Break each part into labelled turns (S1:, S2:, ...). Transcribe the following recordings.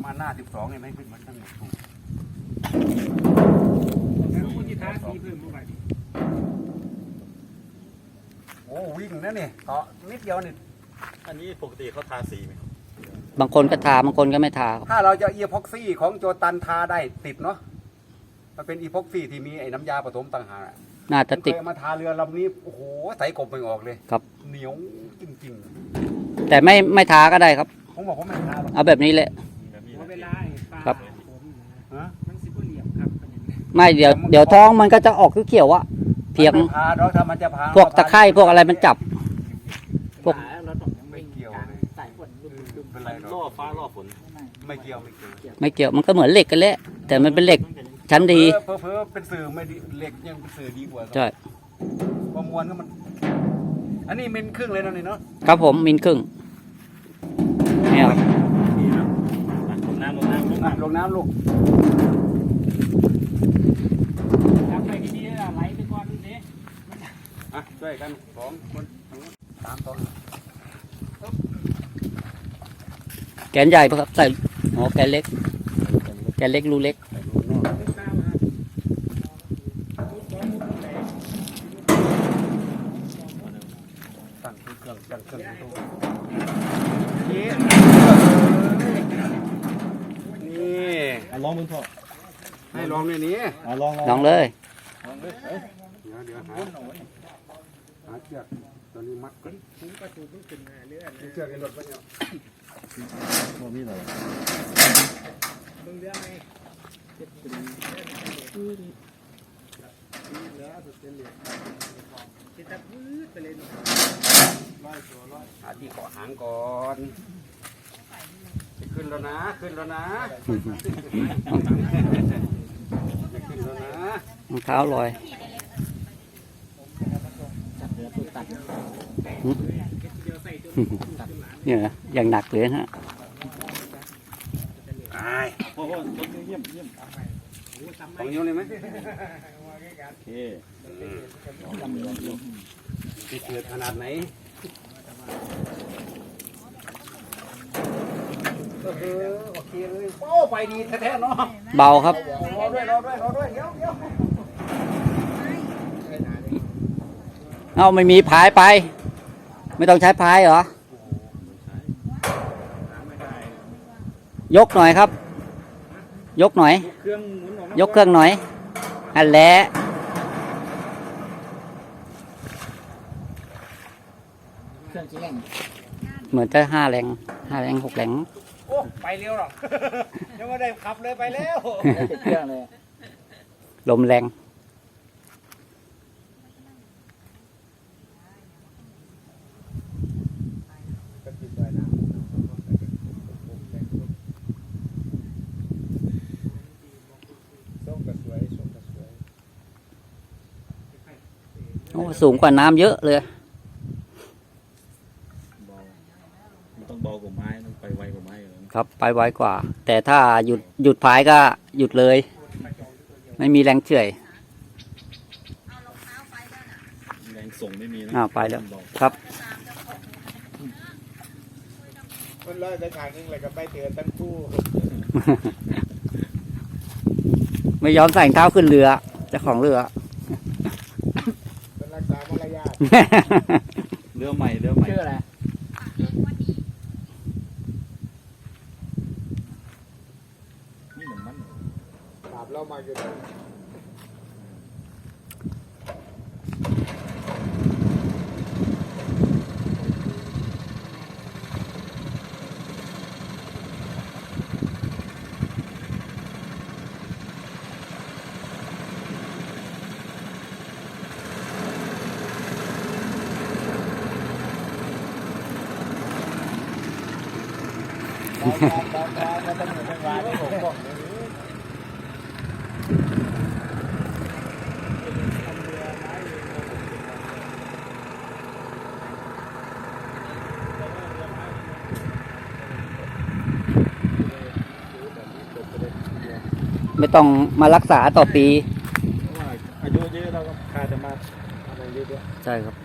S1: มาหน้า12เนี่ยไม่ขึ้นมันทั้งหมดถูกโอ้วิ่งนะเนี่ยเกาะนิดเดียวนี่
S2: อันนี้ปกติเขาทาสีไหมครับ
S3: บางคนก็ทาบางคนก็ไม่ทา
S1: ถ้าเราจะอีพ็อกซี่ของโจตันทาได้ติดเนาะมันเป็นอีพ็อกซี่ที่มีไอ้น้ำยาผสมต่างหาก
S3: น่าจะติด
S1: เคยมาทาเรือลำนี้โอ้โหใส่กบไม่ออกเลย
S3: ครับ
S1: เหนียวจริง
S3: แต่ไม่ทาก็ได้ครับ
S1: ๆผมบอกผมไม่ทาหรอก
S3: เอาแบบนี้แหละ
S2: แบบนี้
S4: เว
S2: นะ
S4: ลาปลา
S3: ครับ
S1: ฮะ
S4: มันสิบเหลี่ยมครับ
S3: ไม่เดี๋ยวท้องมันก็จะออกเขียวๆอะเพียง
S1: ไม่พาเนาะถ้ามันจะพา
S3: พวกตะไคร่พวกอะไรมันจับ พวก
S4: เราต้องยัง
S1: ไม่เกี่ยวเลย
S4: สายฝนดุม
S1: เป็นไรหร
S2: ล่อ
S1: อก
S2: ฟ้าล่อฝน
S1: ไม่เกี่ยวไม่เกี่ยว
S3: ไม่เกี่ยวมันก็เหมือนเหล็กกันแหละแต่มันเป็นเหล็กชั้นดี
S1: เพ้อเป็นสื่อไม่ดีเหล็กยังเป็นสื่อดีกว่า
S3: ใช่
S1: ความมวลก็มัน อันนี้มิลครึ่งเลยนะนี่เนาะ
S3: ครับผมมิลครึ่งเนี่ยครับ
S2: นี่ครับลงน้ำลงน้ำลงน้ำ
S1: ลงน้ำลูก
S4: ทำไปที่นี่ไหลไปก่อนนี่
S1: อ่ะช่วยกัน2 คน3 ตัว
S3: แกนใหญ่ปะครับใส่อ๋อแกนเล็กรูเล็ก
S1: ใส่ลูกนอกตั้งเครื่องตั้งเครื่องนี่
S2: ลองมึงพ่อ
S1: ให้ลองในนี้
S2: ลอง
S3: ลองเลย
S1: เดี๋ยวหาเชือกตัวนี้มัดก่อน
S4: ถึงประตูต้องขึ้นเรือ
S1: เชือกในรถไปเนี่ย
S2: พ่อมีอะไร
S4: เบื้องเรือไหมจะตัดวืดไปเลย
S1: หาที่เกาะหางก่อนขึ้นแล้วนะขึ้นแล้วนะขึ้นแล้วนะ
S3: รองเท้าลอยเนี่ยอย่างหนักเลยฮะ
S1: ไอ้
S2: พ่อเยี่ยม
S1: ของนิ้วเลยไหม
S2: โอเค
S1: ที่เกิดขนาดไหนโอเคเลยโอ้ไปดีแท้ๆเนาะ
S3: เบาครับ
S1: รอด้วยเดี๋ยว
S3: เอาไม่มีพายไป ไม่ต้องใช้พายเหรอ ยกหน่อยครับ ยกหน่อย
S4: เครื่องหมุนออก
S3: ยกเครื่องหน่อยอันแหละ
S4: เครื่องแจ้ง
S3: เหมือนจะ5 แรง 6 แรง
S1: โอ้ไปเร็วหรอกยังไม่ได้ขับเลยไปแล้ว
S4: ติดเครื่องเลย
S3: ลมแรง โอ้สูงกว่าน้ำเยอะเลย
S2: เบามันต้องเบากว่าไม้ต้องไปไวกว่าไม้อยู่แล้ว
S3: ครับไปไวกว่า แต่ถ้าหยุดพายก็หยุดเลย ไม่มีแรงเฉื่อย
S2: แรงส่งไม่มีนะ
S3: ไปแล้วครับ
S4: มันลอยไปทางนึงเลยก็ไปเตือนตั้งคู่
S3: ไม่ยอมใส่รองเท้าขึ้นเรือเจ้าของเรือ
S4: เป็นรักษามารยาท
S2: เรือใหม่
S4: ชื่ออะไร
S2: นี่เหมือนมัน
S4: ถามเรามาอยู่
S3: ไม่ต้องมารักษาต่อปี
S2: เพราะว่าอายุเยอะเราก็ขาดจะมาอะไรเยอะๆ
S3: ใช่ครับ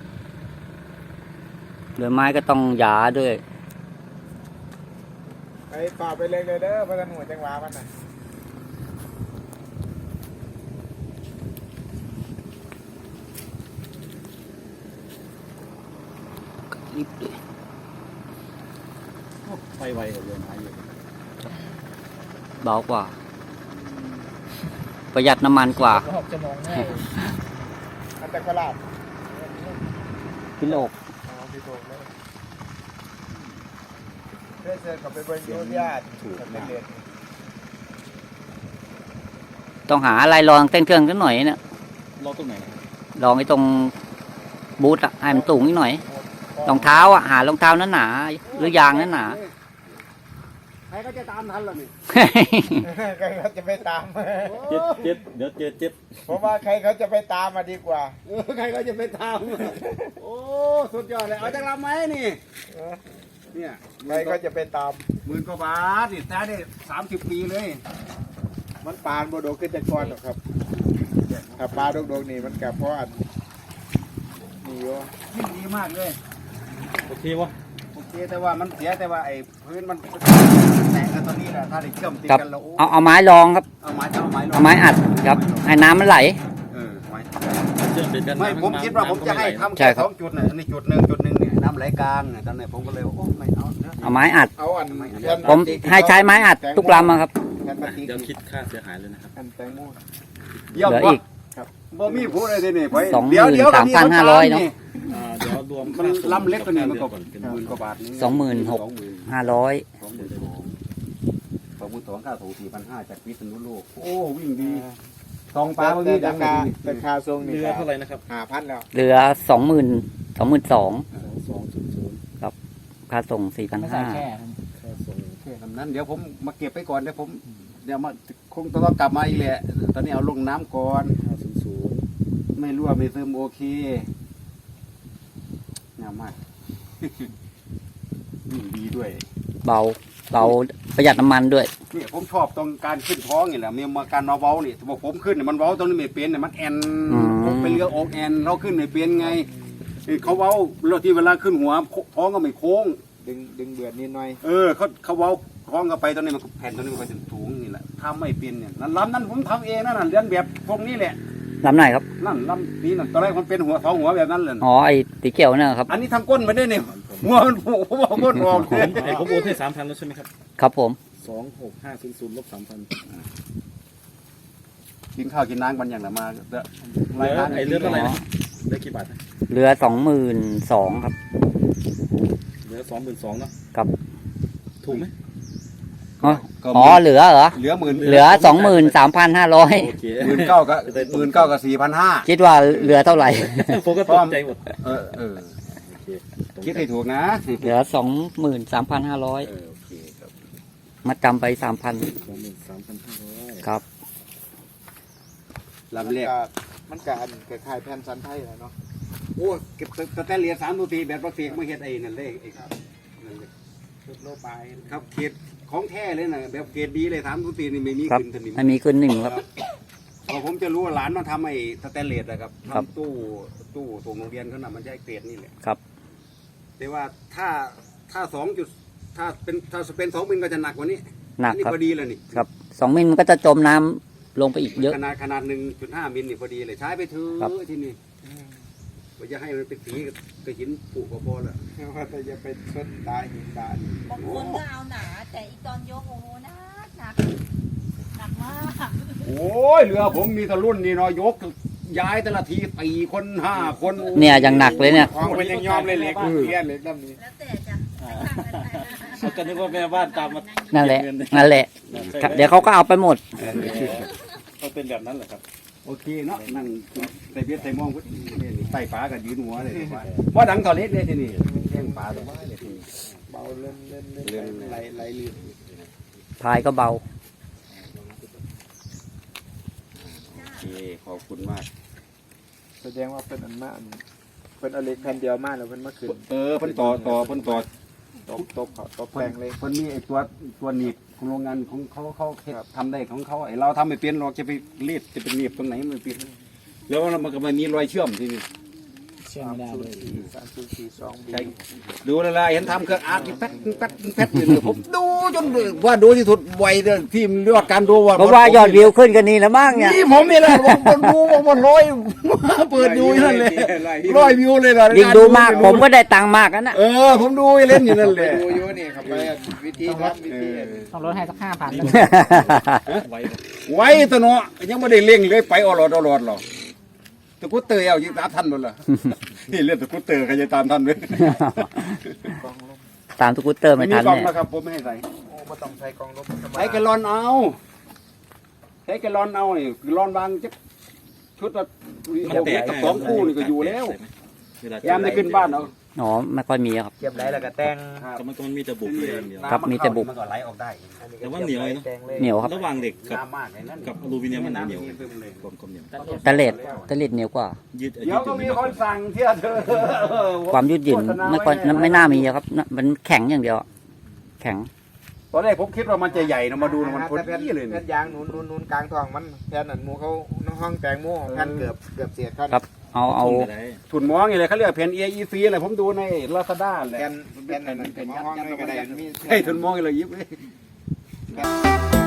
S3: เรือไม้ก็ต้องหยาด้วย
S4: ไปฝ่าไปเลยเด้อพระท่านหัวจังหวะมันน่ะ
S3: รีบดิ
S2: ไปไวกว่าเรือหาอยู่
S3: เบากว่า ประหยัดน้ำมันกว่า
S4: 6 ชั่วโมงแน่อันแต่กลาด
S3: กิโลก
S4: พี่โตเลยเพื่อเจอกับไปเบิ้งยูญาติถูกเด็ด
S3: ต้องหาอะไรลองเต้นเครื่องกันหน่อยเนี่ย
S2: เราตรงไหนนะครับ
S3: ลองไอ้ตรงบูทอะให้มันสูงนิดหน่อยรองเท้าอะหารองเท้านั้นหนาหรือยางนั้นหนา
S1: ใครก็จะตามทันล่ะนี่
S4: ใครเขาจะไปตาม
S2: เจ็ดเดี๋ยวเจอเจ็ด
S4: ผมว่าใครเขาจะไปตามมาดีกว่า
S1: ใครก็จะไปตามโอ้สุดยอดเลยเอาจังลำไหมนี่เนี่ย
S4: ใครเขาจะไปตาม
S1: 10,000 กว่าบาทนี่แท้ได้30 ปีเลย
S4: มันปานโบโดขึ้นแต่ก่อนหรอกครับถ้าปลาโดกๆนี่มันกับเพราะอันนี่โย
S1: ยิ่งดีมากเลย
S2: โอเควะ
S1: โอเคแต่ว่ามันเสียแต่ว่าไอ้พื้นมันแตกกันตอนนี้แหละถ้าได้เชื่อมติด
S3: ครับ
S1: กันแล้วโอ้
S3: เอาไม้รองครับ
S1: เอาไม้ลง
S3: เอาไม้อัดครับ ให้น้ำมันไหล
S1: ไม้
S2: เชื่อมติดกัน
S1: ไม่ผมคิดว่าผมจะให้ทำ
S3: ใช่
S1: แค่
S3: ครับ
S1: 2 จุดเนี่ยอันนี้จุดหนึ่งเนี่ยน้ำไหลกลางเนี่ยตอนนี้ผมก็เลยโอ้ไม่เอานะ
S3: เอาไม้อัด
S4: เอาอัน
S3: ผมให้ใช้ไม้อัดทุกลำอะครับ
S4: แผ่นพลาสติก
S2: เดี๋ยวคิดค่าเสียหายเลยนะครับ
S4: อันแตงโม
S1: เยี่ยม
S3: เหลือ
S1: วะ
S3: อีก
S1: บ่มีผู้ใดเลยนี่ไป
S3: 23,500
S1: เดี๋ยวก็มีคนตาม
S3: เนาะ
S1: นี่
S2: เดี๋ยวรวม
S1: มันลำเล็กกว่านี้มันก็
S2: เป็น
S1: 10,000 กว่าบาทนี่
S3: 26,500
S1: 22,000ค่าถู4,500จากพิษณุโลกโอ้วิ่งดีทองปลาเมื่อกี้ดั
S4: ราง คาราคาทรงนี่
S2: เรือเท่าไหร่นะครับ
S4: 5,000แล้ว
S3: เหลือ22,000
S2: 2.0
S3: ค่าส่ง 4,500
S2: ค่าส่ง
S1: แค่คำนั้นเดี๋ยวผมมาเก็บไปก่อนเดี๋ยวผมเดี๋ยวมาคงต้องกลับมาอีกแหละตอนนี้เอาลงน้ำก่อน
S2: 500
S1: ไม่รั่วไม่ซึมโอเคงามมาก วิ่งดีด้วย
S3: เบาประหยัดน้ำมันด้วย
S1: นี่ผมชอบตรงการขึ้นท้องนี่แหละมีมาการมาเว้านี่บอกผมขึ้นเนี่ยมันเว้าตรงนี้ไม่เป็นเนี่ยมันแอน
S3: อืม
S1: ผมเป็นเรืออกแอนเราขึ้นไม่เป็นไงนี่เขาเว้าเราที่เวลาขึ้นหัวท้องก็ไม่โค้ง
S4: ดึงเบือดนิดหน่อย
S1: เขาเว้าท้องก็ไปตอนนี้มันแผ่นตอนนี้มันก็จะสูงนี่แหละถ้าไม่เป็นเนี่ยนั่นลำนั้นผมทำเองนั่นนะเรียนแบบพวกนี้แหละ
S3: ลำไหนครับ
S1: นั่นลำนี้นั่นตอนแรกมันเป็นหัวท้องหัวแบบนั้นเลย
S3: อ๋อ ไอ้ตีเขียวเนี่ยครับ
S1: อันนี้ทำก้นมาได้เนี่ยหัวมันผูกผมเอาก้นออกเลย
S2: ผมโอนให้ 3,000 แล้วใช่ไหมครับ
S3: ครับผม
S2: 26500ลบ 3,000
S1: กินข้าวกินน้ำกันอย่างไรมาเด้อ
S2: เรือไอ้เรือเท่าไหร่นะเรือกี่บาทนะ
S3: เหลือ22,000ครับ
S2: เรือ22,000เนาะ
S3: ครับ
S2: ถูกไหม
S3: อ๋อ เหลือเหรอ
S1: เหลือ10,000
S3: เหลือ 23,500
S2: โอเค
S1: 19,000กับ4,500
S3: คิดว่าเหลือเท่าไหร่
S2: ผมก็ตกใจหมด
S1: เออ
S2: โอเค
S1: คิดให้ถูกนะ
S3: เหลือ 23,500
S1: โอเคครับ
S3: มาจำไป 3,000
S2: 23,500
S3: ครับ
S1: ลำแรก
S4: มันก็อันคล้ายๆแผ่นสันไทยแหละเนาะ
S1: โอ้เก็บสแตนเลส3 ตัวทีแบบประเภทมาเฮ็ดไอ้นั่นเลยไอ้ครับนั่นเลย
S4: ชุดโลบาย
S1: ครับเกรดของแท้เลยนะแบบเกรดดีเลย3 ตัวทีนี่ไม่มี
S3: ครับ
S1: ขึ้นสนิม
S3: ไม่มีขึ้นหนึ่งครับ
S1: พอผมจะรู้ว่าหลานมาทำไอ้สแตนเลสอะครับ
S3: ครับ
S1: ทำตู้ส่งโรงเรียนเขาน่ะมันใช้เกรดนี่แหละ
S3: ครับ
S1: แต่ว่าถ้า2 จุดถ้าเป็น2 มิลก็จะหนักกว่านี้
S3: หนัก
S1: นี่
S3: ครับ
S1: พอดีเลยนี่
S3: ครับ 2 มิลมันก็จะจมน้ำลงไปอีกเยอะ
S1: ขนาด 1.5 มิลนี่พอดีเลยใช้ไปเถอ
S3: ครับ
S1: ะที่นี่ว่าจะให้มันเป็นสีกับหินผุก็พอแล้ว
S4: ว่าแต่จะไปชนตายหินตาย
S5: บางคนก็เอาหนา แต่อีตอนยกโอ้โหหนักมาก
S1: โอ้ยเรือผมมีแตะรุ่นนี่เนาะยกย้ายแต่ละที4 คน 5 คน
S3: เนี่ยยังหนักเลยเนี่ย
S4: ของมันยังยอมเลยเหล็กเทียนเหล็กดำนี้
S5: แล้วแต่จะให้ทำกันไปนะ
S2: เขาก็นึกว่าแม่บ้านตามมา
S3: นั่นแหละ นั่นแหละครับเดี๋ยวเขาก็เอาไปหมด
S2: เขาเป็นแบบนั้นเหรอครับ
S1: โอเคเนาะนั่งใส่เบียดใส่มองพุทธใส่ปลากับยืนหัวเลยว่าดังต่อเล็กเลยที่นี่แข้งปลาสบายเลยที่นี่
S4: เบาเล่นไหลลื่น
S3: พายก็เบา
S1: โอเคขอบคุณมาก
S4: แสดงว่าเป็นอันมากเป็นเอาเหล็กแผ่นเดียวมากแล้วเป็นมาขึ้น
S1: เพิ่นต่อเพิ่นต่อ
S4: ตบแปลงเลย
S1: เพิ่นมีไอ้ตัวหนีบของโรงงานของเขาทำได้ของเขาไอ้เราทำไม่เป็นเราจะไปรีดจะเป็นหนีบตรงไหนมันเป็นแล้วมันก็ไม่มีรอยเชื่อมที่นี่
S2: เชื่อไม่ได้เลย
S4: 304 2
S1: ใช่ดูละลายเห็นทำเครื่องอาร์ตแป๊ดอยู่เลยผมดูจนว่าดูที่สุดไวเลยที่เรียกว่าการดูว่า
S3: เพราะว่ายอดวิวขึ้นกันนี่แล้วมั้งเนี่ย
S1: นี่ผมนี่แหละผมดูว่าร้อยเปิดดูนั่นเลยร้อยวิวเลยล่ะ
S3: ยิ่งดูมากผมก็ได้ตังค์มากกันนะ
S1: ผมดูเล่นอยู่นั่นแหละ
S4: ดูอยู่นี่ครับไปวิธีทำวิธี
S2: ต้องลดให้สัก5,000 ไว้
S1: ไว้ตะเนาะยังไม่ได้เล่งเลยไปอรอดหรอกตะกุเตอร์เอายิงตามทันหมดละนี่เล่นตะกุเตอร์ใครจะตามทันเลย
S3: ตามสกูตเตอร์ไม่
S1: มี
S3: ทัน
S1: กล่อง
S3: เนี่ย
S1: นะครับผมไม่ให้ใส่
S4: โอ้บ่ต้องใช้กองลบ
S1: ใช้แกลลอนเอาใช้แกลลอนเอานี่แกลลอนบางจะชุดละกับสองคู่นี่ก็อยู่แล้วยามได้ขึ้นบ้านเอา
S3: อ๋อไม่ค่อยมีครับ
S4: เก็บได้แล้วก็แต่ง
S2: แต่มันมีแต่บุกเลยอย่างเดียว
S3: ครับมีแต่บุก
S1: มันก็ไหลออกได้
S2: แต่ว่าเหนียวเลยเนอะ
S3: เหนียวครับ
S2: ระหว่างเหล็กกับ
S1: น้ำมากเลยนั่น
S2: กับอลูมิเนียมมันเหนียวกลมเหนียว
S3: ตะเล็ดเหนียวกว่า
S2: ยืด
S1: เดี๋ยวก็มีคนสั่งเที่ยเธอ
S3: ความยืดหยุ่นไม่น่ามีครับมันแข็งอย่างเดียว แข็ง
S1: ตอนแรกผมคิดว่ามันจะใหญ่นะมาดูนะมันพอดีเลย
S4: แผ่นยางหนุนกลางท้องมันแผ่นอันหมูเขาห้องแตงหมูแผ่นเกือบเสียดเขา
S3: ครับ เอา
S1: ถุนมองอย่างไรเขาเรียกแผ่น AEC อะไรผมดูในลาซาด้าแหละ
S4: แผ่นอันนั้นเป็นห้องนี่ก็ได้มี
S1: ให้ถุนมองอะไรยิบเลย